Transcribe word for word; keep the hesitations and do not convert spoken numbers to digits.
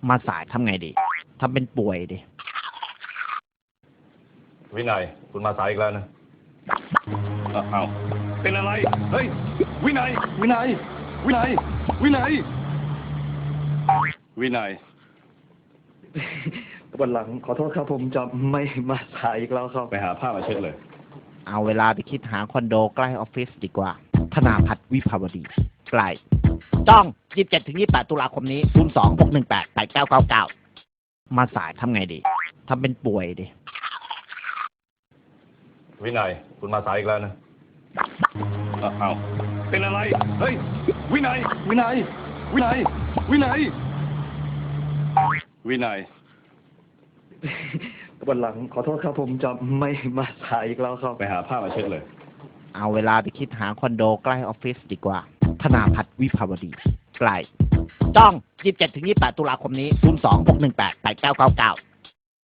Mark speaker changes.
Speaker 1: มาสายทำไงดีทำเป็นป่วยดิ
Speaker 2: วินัยคุณมาสายอีกแล้วนะอ้าวเป็นอะไรเฮ้ยวินัยวินัยวินัยวินัยวินัย
Speaker 3: วันหลังขอโทษครับผมจะไม่มาสายอีกแล้วครับ
Speaker 2: ไปหาผ้ามาเช็ดเลย
Speaker 1: เอาเวลาไปคิดหาคอนโดใกล้ออฟฟิศดีกว่าธนาพัฒน์วิภาวดีใกล้จ้องยี่สิบเจ็ดถึงยี่สิบแปดตุลาคมนี้ศูนย์สองหกหนึ่งแปดแปดเก้าเก้าเก้ามาสายทำไงดีทำเป็นป่วยดิ
Speaker 2: วินัยคุณมาสายอีกแล้วนะอ้าวเป็นอะไรเฮ้ยวินัยวินัยวินัยวินัยวินัย
Speaker 3: วันหลังขอโทษครับผมจะไม่มาสายอีกแล้วครับ
Speaker 2: ไปหาผ้ามาเช็ดเลย
Speaker 1: เอาเวลาไปคิดหาคอนโดใกล้ออฟฟิศดีกว่าธนาพัฒน์วิภาวดีใกล้จ้องยี่สิบเจ็ดถึงยี่สิบแปดตุลาคมนี้ศูนย์สองหกหนึ่งแปดแปดเก้าเก้าเก้า